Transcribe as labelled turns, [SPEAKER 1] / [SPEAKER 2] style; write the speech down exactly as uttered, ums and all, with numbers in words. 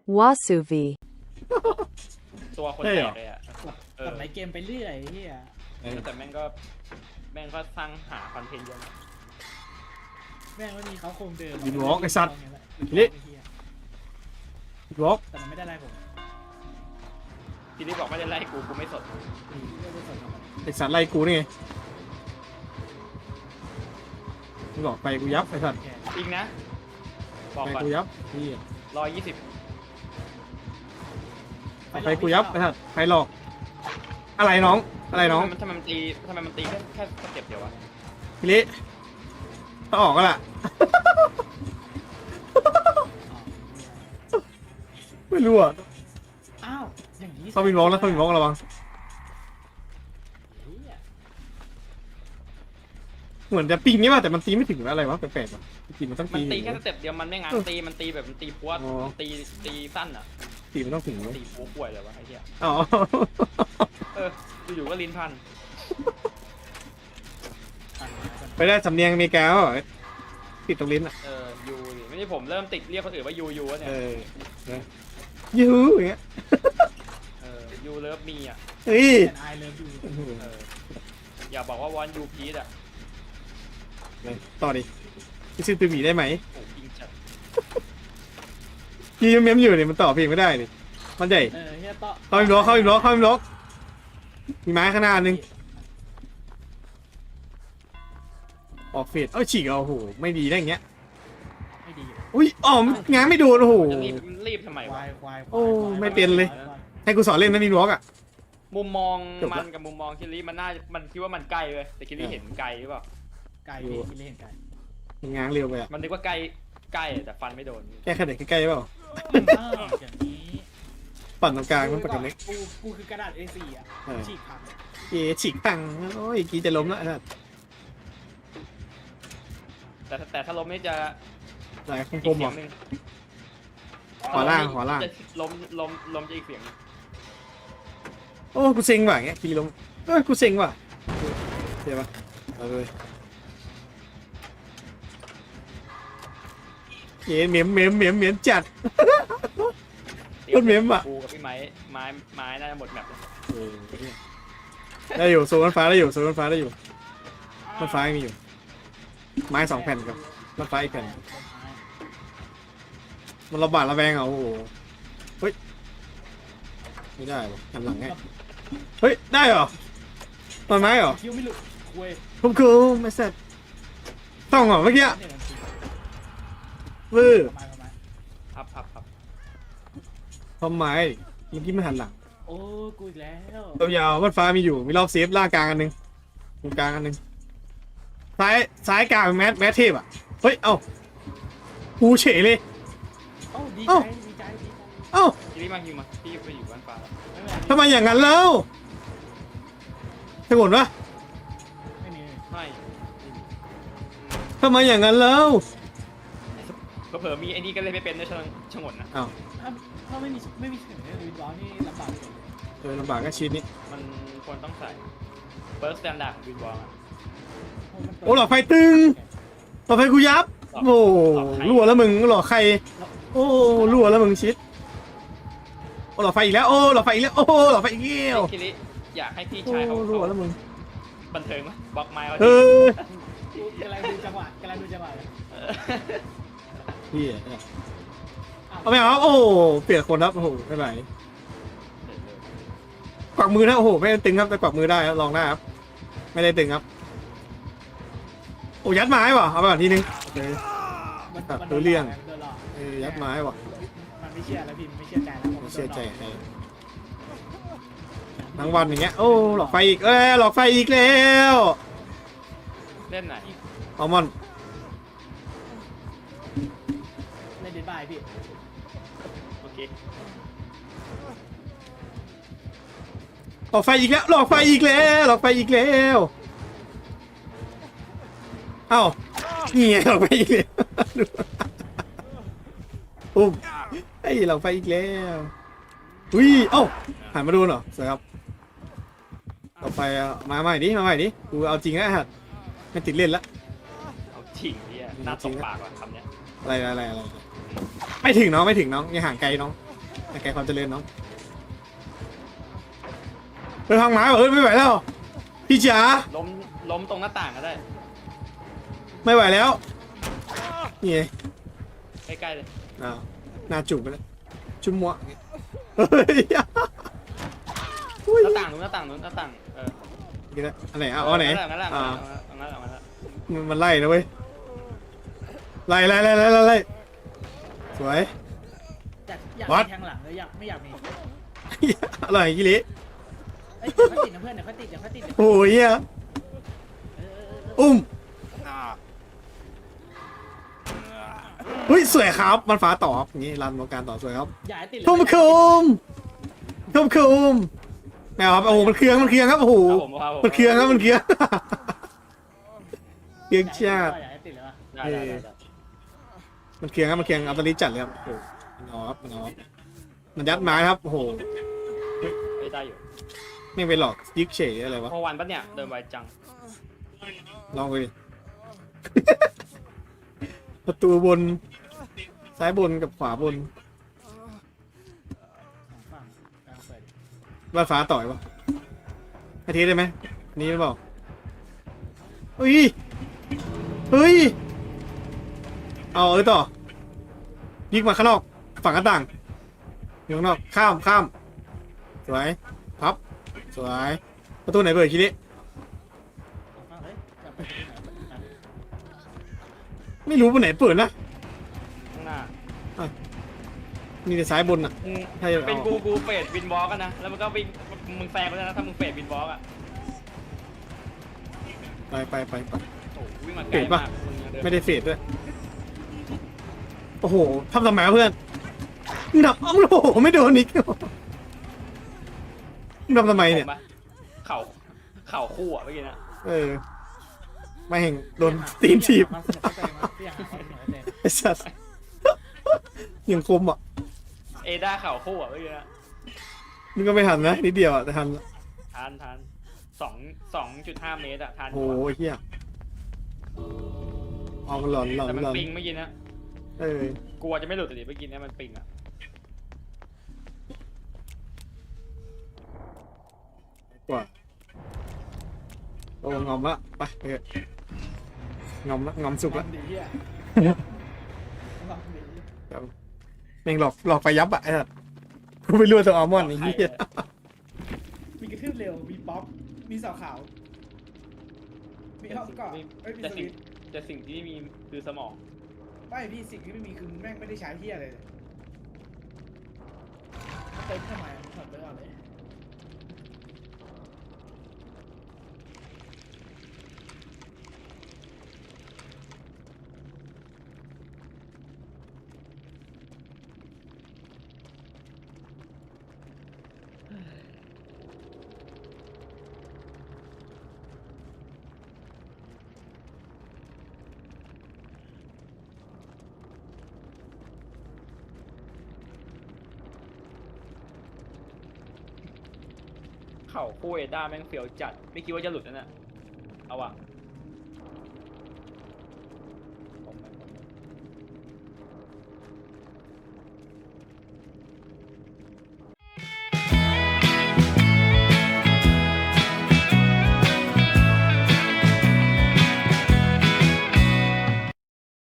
[SPEAKER 1] Wasuvi
[SPEAKER 2] ตัวคนแตกเลยอ่ะเออ
[SPEAKER 3] ทำไรเกมไปเรื่อยเฮีย
[SPEAKER 2] แต่แม่งก็แม่งก็สร้างหาคอนเทนต์เยอะนะ
[SPEAKER 3] แม่งไม่มีเขาโครงเดิม
[SPEAKER 4] วินวอล์กไอ้สัตว์
[SPEAKER 3] นี่
[SPEAKER 4] วอล์ก
[SPEAKER 3] แต่มันไม่ได้อะไรผม
[SPEAKER 2] ทีนี้บอกไม่ได้ไล่กูกูไม่สน
[SPEAKER 3] ไม่ได้สนหรอก
[SPEAKER 4] ไอสัตว์ไล่กูนี่ไงมึงบอกไปกูยับไอสัตว์
[SPEAKER 3] แค่
[SPEAKER 2] อีกนะบอก
[SPEAKER 4] ไป
[SPEAKER 2] ก่อน
[SPEAKER 4] กูยับนี่
[SPEAKER 2] ร้อยยี่สิบ
[SPEAKER 4] ไปกูยับไอสัตว์ใครหลอกอะไรน้องอะไรน้อง
[SPEAKER 2] ทำไมมันตีทำไมมันตีแค่แค่สเต็ปเดียววะ
[SPEAKER 4] พี่ลิถ้าออกก็ล่ะ ไม่รู้อ่ะ
[SPEAKER 3] อ้าวอย่างนี้
[SPEAKER 4] เขาวินวอล์กแล้วเขาวินวอล์กระวัง
[SPEAKER 3] เหี้ย
[SPEAKER 4] เหมือนจะปิงนี่ป่ะแต่มันตีไม่ถึงอะไรวะแปลกๆว่ะตีมันต้อง
[SPEAKER 2] มัน
[SPEAKER 4] ตี
[SPEAKER 2] ตีแค่สเต็ปเดียวมันไม่งั้นตีมันตีแบบมันตีพวด
[SPEAKER 4] อ๋อ
[SPEAKER 2] ตีตีสั้นอ่ะ
[SPEAKER 4] ตีมันต้องถึงเว้ย
[SPEAKER 2] ตีปูป่วยเลยวะไอ้เหี้ย
[SPEAKER 4] อ๋อ
[SPEAKER 2] เอออยู่ๆก็ลิ้นพัน
[SPEAKER 3] ปั่นปั่น
[SPEAKER 4] ไปได้สำเนียงอเมริกาเหรอติดตรงลิ้นอ่ะ
[SPEAKER 2] เออยูดิไม่ใช่ผมเริ่มติดเรียกคนอื่นว่ายูยูเนี่ย
[SPEAKER 4] เออนะยูอย่างเงี้ย
[SPEAKER 2] เออยูเลิฟมีอ่ะ
[SPEAKER 4] เฮ้ย
[SPEAKER 3] แต่ไอเลิฟยู
[SPEAKER 2] เอออย่าบอกว่าวอนยูพีดอ่ะ
[SPEAKER 4] ต่อดิพี่ซื้อตัวหมีได้ไหม
[SPEAKER 2] โอ้ยิงจัด
[SPEAKER 4] พี่ยังเมมอยู่เนี่ยมันต่อเพลงไม่ได้นี่มันใหญ่
[SPEAKER 3] เออเฮียต่อ
[SPEAKER 4] เข้าอีกล็อกเข้าอีกล็อกเข้าอีกล็อกมีไม้ข้างหน้านึงออกเฟดเอ้ยฉีกเอาโอ้โหไม่ดีได้อย่างเงี้ย
[SPEAKER 3] ไม่ดี
[SPEAKER 4] อุ้ยอ๋อง้างไม่โดนโอ้โห
[SPEAKER 2] จะรีบรีบทำไม
[SPEAKER 3] ควา
[SPEAKER 2] ะ
[SPEAKER 3] ยควาย
[SPEAKER 4] โอ้ไม่เป็นเลย ให้กูสอนเล่นนะนี่ล็อกอ่ะ
[SPEAKER 2] มุมมอง
[SPEAKER 4] จบละ
[SPEAKER 2] มันกับมุมมองคิริมันน่ามันคิดว่ามันไกลเว้ยแต่คิริเห็นไกลหรือเปล่า
[SPEAKER 3] ไก่พี่คิดเล่นไก่
[SPEAKER 4] มันง้างเร็วไปอ่ะ
[SPEAKER 2] มันนึกว่าใกล้ใกล้แต่ฟันไม่โดน
[SPEAKER 4] แค่ขนาดใกล้ๆเปล่า
[SPEAKER 3] อ้าวอย่างนี้
[SPEAKER 4] ปั่นตรงกลางมันปั่นตรงเล็ก
[SPEAKER 3] กูกูคือกระดาษ เอ โฟร์ อ่ะ
[SPEAKER 4] เออ
[SPEAKER 3] ฉีกผัก
[SPEAKER 4] เอ๋ฉีกตังโอ้ยกีจะล้มแล้วนะ
[SPEAKER 2] แต่แต่ถ้าล้มนี่จะ
[SPEAKER 4] หลาย
[SPEAKER 2] อีก
[SPEAKER 4] คมๆเหร
[SPEAKER 2] เสีย
[SPEAKER 4] อง
[SPEAKER 2] หนึ่ง
[SPEAKER 4] ขวาล่างขวาล่าง
[SPEAKER 2] จะล้มล้มล้มจะอีกเสียงหนึ่ง
[SPEAKER 4] โอ้กูเซ็งว่ะอย่างเงี้ยกีล้มเอ้ยกูเซ็งว่ะเดี๋ยวปะเอาเลยเอ๋เหมียมเหมียมเหมียมเหมียมจัด คนเมมอะ
[SPEAKER 2] กูกับพี่ไม้ไม้ไม้น่าจะหมดแมปเลย
[SPEAKER 4] เออได้อยู่โซนฟ้าได้อยู่โซนฟ้าได้อยู่มันฟ้ายังมีอยู่ไม้สองแผ่นกับมันฟ้าอีกแผ่นมันระบาดระแวงอ่ะโอ้โหเฮ้ยไม่ได้หรอหันหลังไงเฮ้ยได้เหรอต้นไม้เหรอ
[SPEAKER 3] คิวไม่หลุดคุย
[SPEAKER 4] ผมคือไม่เสร็จต้องเหรอเมื่อกี้
[SPEAKER 3] เนี่ยมันฉีก
[SPEAKER 4] วื้อ
[SPEAKER 3] ประมาณประมาณ
[SPEAKER 2] พับพับพับ
[SPEAKER 4] ทำไมเมื่อกี้ไม่หันหลัง
[SPEAKER 3] โอ้กูอีกแล้ว
[SPEAKER 4] ตัวยาวมันฟ้ามีอยู่มีรอบเซฟล่างกลางอันหนึงตรงกลางอันหนึงซ้ายซ้ายกลางแมสแมสเทพอ่ะเฮ้ยเอ้ากูเฉยเลย
[SPEAKER 3] โอ้ดี
[SPEAKER 4] เอ้า
[SPEAKER 3] ใจดีใจดีใจ
[SPEAKER 4] เอ้า
[SPEAKER 2] คิริมาฮิวมาพี่ไปอยู่บ้านฟ้าแล้ว
[SPEAKER 3] ไม่เป็นไร
[SPEAKER 4] ทำไมอย่างนั้นแล้วสงวนปะ
[SPEAKER 3] ไม่มี
[SPEAKER 2] ไม่
[SPEAKER 4] ทำไมอย่างนั้นแล้ว
[SPEAKER 2] เผลอๆมีไอ้นี่ก็เลยไม่เป็นด้วยชงชงนนะ
[SPEAKER 4] อ้าว
[SPEAKER 3] ถ้าถ้าไม่มีไม่มีเสียงเนี่ยวินวอลนี่ลำบากเลย
[SPEAKER 4] เออลำบากก็ชีวิตนี้
[SPEAKER 2] มันควรต้องใส่เบิร์สแตนดาร์ดของวินวอล
[SPEAKER 3] มันเปิด
[SPEAKER 4] โอ้หลอดไฟตึงหลอดไฟกูยับโอ้รั่วแล้วมึงหลอดใครโอ้รั่วแล้วมึงชิดโอ้หลอดไฟอีกแล้วโอ้หลอดไฟอีกแล้วโอ้หลอดไฟอีกแล้ว
[SPEAKER 2] คิริอยากให้พี่
[SPEAKER 4] โอ้
[SPEAKER 2] ชายเขา
[SPEAKER 4] รั่วแล้วมึง
[SPEAKER 2] บันเทิงมั้ยบล็อกไม้ไว้
[SPEAKER 4] เออ
[SPEAKER 3] กำลังดูจังหวะกำลังดูจังหวะเลย
[SPEAKER 2] เออ
[SPEAKER 4] พี่เอาไม่เอาโอ้เปลี่ยนคนครับโอ้โหไม่ไหวกวักมือนะโอ้โหไม่ได้ตึงครับแต่กวักมือได้ครับลองได้ครับไม่ได้ตึงครับโอ้ยัดไม้ว่ะเอาไปก่อนทีนึงโอเค
[SPEAKER 3] มัน
[SPEAKER 4] ครับ
[SPEAKER 3] มัน
[SPEAKER 4] รู้เรื่อง
[SPEAKER 3] โดนหลอก
[SPEAKER 4] เออยัดไม้ว่ะ
[SPEAKER 3] มันไม่เชื่อแล้วพี่มันไม่เชื่อใจแล้วผม
[SPEAKER 4] ไม่เชื่อใจ
[SPEAKER 3] โดนหลอก
[SPEAKER 4] ใครทั้งวันอย่างเงี้ยโอ้หลอกไฟอีกเอ้ยหลอกไฟอีกแล้ว
[SPEAKER 2] เล่นไหน
[SPEAKER 4] อัลมอนด์
[SPEAKER 3] เล่นเดนบายพี่
[SPEAKER 2] โอเค
[SPEAKER 4] หลอกไฟอีกแล้วหลอกไฟอีกแล้วหลอกไฟอีกแล้วเอ้านี่ไงหลอกไฟอีกแล้วอุ้มไอ้ยหลอกไฟอีกแล้วอุ้ยเอ้าหันมาดูหน่อยสวยครับหลอกไฟอ่ะมาใหม่ดิมาใหม่ดิกูเอาจริงแล้วฮะไม่ติดเล่นละ
[SPEAKER 2] เอาจริงเนี่ยหน้าตบปากว่ะคำเนี้ย
[SPEAKER 4] อะไรอะไรอะไรไม่ถึงน้องไม่ถึงน้องยังห่างไกลน้องแต่แกความเจริญน้องไปทางไม้เหรอเฮ้ยไม่ไหวแล้วพี่จ๋า
[SPEAKER 2] ล้มล้มตรงหน้าต่างก็ได้
[SPEAKER 4] ไม่ไหวแล้วนี่ไง
[SPEAKER 2] ใกล้ๆเลย
[SPEAKER 4] อ้าวหน้าจุ่มไปแล้วจุ่มมัวเฮ้ยอุ้ย
[SPEAKER 2] หน้าต่างนู้นหน้าต่างนู้นหน้าต่างเออ
[SPEAKER 4] นี่นะอันไหนอ่ะอ๋อไหน
[SPEAKER 2] นั่นแหละ
[SPEAKER 4] อ่า
[SPEAKER 2] นั่นแหละนั่นแหละนั่นแหละ
[SPEAKER 4] มันมันไล่นะเว้ยไล่ไล่ไล่ไล่ไล่ไล่สวย
[SPEAKER 3] อยากอยาก
[SPEAKER 4] What?
[SPEAKER 3] มีแทงหลังเลยอยากไม่อยากมี
[SPEAKER 4] อร่อยกิริ
[SPEAKER 3] เอ้ยเดี๋ยวเขาติดนะเพื่อนเดี๋ยวเขาติดเดี๋ยวเขาติดเดี๋ยว
[SPEAKER 4] โอ้ยเหี้ย
[SPEAKER 3] เออเออเออ
[SPEAKER 4] อุ้มเฮ้ยสวยครับมันฟ้าต่อครับอย่างนี้รันวงการต่อสวยครับ
[SPEAKER 3] อย่าให้ติดเลย
[SPEAKER 4] ทุ่มคุมทุ่มคุมแมวครับโอ้โหมันเคืองมันเคืองครับโอ้โห
[SPEAKER 2] ครับผมครับผม
[SPEAKER 4] มันเคืองครับมันเคืองเคืองชาติ
[SPEAKER 3] อย่าให้ติดเลยวะ
[SPEAKER 2] ได้ได้ได้ได้
[SPEAKER 4] มันเคืองครับมันเคืองอัลตอริจัดเลยครับโอ้โหมันเอาครับมันเอาครับมันยัดไม้ครับโอ้โห
[SPEAKER 2] ไม่ได้อยู่
[SPEAKER 4] ไม่ไปหลอกยึกเฉยอะไรวะ
[SPEAKER 2] พอวันปะเนี่ยเดินไวจัง
[SPEAKER 4] ลองไปดิ ประตูบนซ้ายบนกับขวาบน
[SPEAKER 3] สองฝั่งกลางเปิด
[SPEAKER 4] บ้านฟ้าต่อยปะอาทิตย์ได้ไหมอันนี้หรือเปล่าเฮ้ยเฮ้ยเอาเออต่อยิงมาข้างนอกฝั่งหน้าต่างอยู่ข้างนอกข้ามข้ามสวยพับสวยประตูไหนเปิดคิดดิ
[SPEAKER 3] สองฝั่งเฮ้ยจะไปที่ไหนเปิดที่ไหน
[SPEAKER 4] ไม่รู้ประตูไหนเปิดนะ
[SPEAKER 2] ข้างหน้า
[SPEAKER 4] มีแต่ซ้ายบนอ่ะ
[SPEAKER 2] มึง
[SPEAKER 4] ใช่เอา
[SPEAKER 2] เป็นกูกูเฟดวินวอล์กกันนะแล้วมันก็วิ่งมึงแฟร์ไปแล้วนะถ้ามึงเฟดวินวอล์กอ่ะ
[SPEAKER 4] ไปไปไปไป
[SPEAKER 2] โอ้โหวิ่งมาไก
[SPEAKER 4] เฟ
[SPEAKER 2] ล
[SPEAKER 4] ดปะ
[SPEAKER 2] มากมึงยังเดิน
[SPEAKER 4] ไม่ได้เฟดด้วยโอ้โหทำทำไมวะเพื่อนหนับอ้าวโอ้โหไม่โดนอีกมึงทำทำไมเนี่ย
[SPEAKER 2] ผมปะเข่าเข่าคู่อ่ะเมื่อกี้นะ
[SPEAKER 4] เออไม่เห็นโดนตีนถีบ
[SPEAKER 3] ความสนุกให้ตัวเองวะพี่อยากหาความสนุกให้ตัวเอง
[SPEAKER 4] ไอ้สัสยังคมอ่ะ
[SPEAKER 2] เอด้าเข่าคู่อ่ะเมื่อกี้นะ
[SPEAKER 4] มึงก็ไม่ทันนะนิดเดียวอ่ะแต่ทันละ
[SPEAKER 2] ทานทานสองสองจุดห้าเมตรอ่ะทาน
[SPEAKER 4] โอ้โหไอ้เฮียเอามันหลอนหลอน
[SPEAKER 2] แต่มัน
[SPEAKER 4] หลอน
[SPEAKER 2] ปิงเมื่อกี้นะ
[SPEAKER 4] เออก
[SPEAKER 2] ลัวจะไม่หลุดแต่ดิเมื่อกี้เนี่ยมันปิงอ่ะ
[SPEAKER 4] กว่าโอ้งอมละไปไปเถอะงอมละงอมสุกละ
[SPEAKER 3] ดีอ่ะลองดี
[SPEAKER 4] แม่งหลอกหลอกไปยับอ่ะไอ้สัสกูไปรั่วตัวอัลมอนด์ไอ้เหี้ย
[SPEAKER 3] มีกระทืบเร็วมีป๊อปมีเสาขาวมีห้องเกาะเอ้ยมี
[SPEAKER 2] แต่
[SPEAKER 3] ส
[SPEAKER 2] สิ่ง
[SPEAKER 3] วิตช์
[SPEAKER 2] แต่สิ่งที่มีคือสมอง
[SPEAKER 3] ไม่พี่สิ่งที่ไม่มีคือแม่งไม่ได้ใช้เฮียอะไรเลยเต็มทำไมถอดไปก่อนเลย
[SPEAKER 2] เข่าคู่เอด้าแม่งเฟียวจัดไม่คิดว่าจะหลุดนั่นน่ะเอาอ่ะ